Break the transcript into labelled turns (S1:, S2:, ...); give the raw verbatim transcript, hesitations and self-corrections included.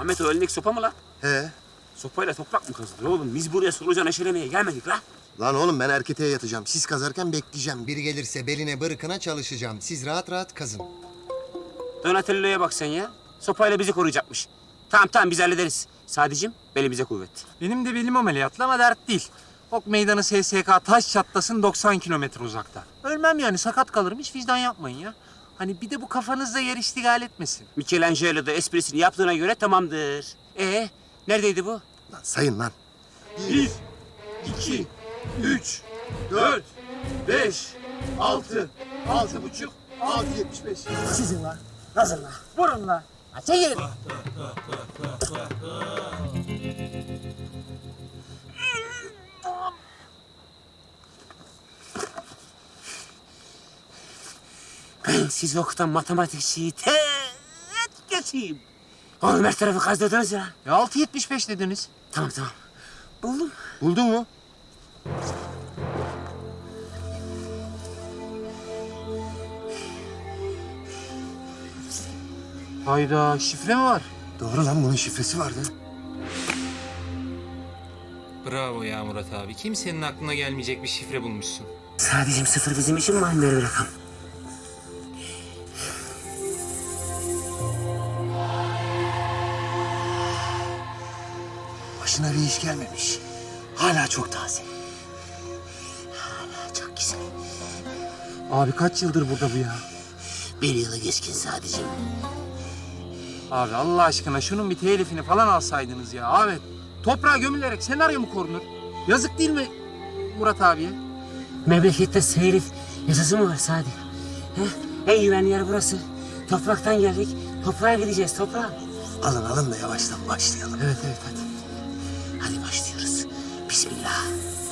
S1: Ahmet o elindeki sopa mı lan?
S2: He.
S1: Sopayla toprak mı kazılır oğlum? Biz buraya solucan eşelemeye gelmedik la.
S2: Lan oğlum ben erketeye yatacağım. Siz kazarken bekleyeceğim. Biri gelirse beline bırkına çalışacağım. Siz rahat rahat kazın.
S1: Donatello'ya bak sen ya. Sopayla bizi koruyacakmış. Tamam tamam biz hallederiz. Sadicim belimize kuvvet.
S3: Benim de belim ameliyatlı ama dert değil. Ok meydanı S S K taş çatlasın doksan kilometre uzakta. Ölmem yani, sakat kalırım, hiç vicdan yapmayın ya. Hani bir de bu kafanızda yer iştigal etmesin.
S1: Michelangelo da esprisini yaptığına göre tamamdır. Ee, neredeydi bu?
S2: Lan sayın lan.
S1: Bir, iki, üç, dört, beş, altı, altı buçuk, altı yetmiş beş.
S4: Sizin lan. Hazır lan. Vurun lan. Ha, çekilin.
S1: Ben sizi okutan matematikçiyi tek geçeyim. Oğlum her tarafı kazdırdınız ya.
S3: Ya altı yetmiş beş dediniz.
S1: Tamam tamam. Buldum.
S2: Buldun mu?
S3: Hayda, şifre mi var?
S2: Doğru lan, bunun şifresi vardı.
S5: Bravo ya Murat abi. Kimsenin aklına gelmeyecek bir şifre bulmuşsun.
S1: Sadece sıfır bizim için manidar bir rakam.
S2: Başına bir iş gelmemiş. Hala çok taze.
S1: Hala çok güzel.
S3: Abi kaç yıldır burada bu ya?
S1: Bir yılı geçkin sadece.
S3: Abi Allah aşkına şunun bir telifini falan alsaydınız ya Ahmet. Toprağa gömülerek senaryo mu korunur? Yazık değil mi Murat abiye?
S1: Memlekette seyrif yasası mı var Sadi? He? En güvenli yer burası. Topraktan geldik. Toprağa gideceğiz toprağa.
S2: Alın alın da yavaştan başlayalım.
S1: Evet evet hadi. Hadi başlıyoruz. Bismillah.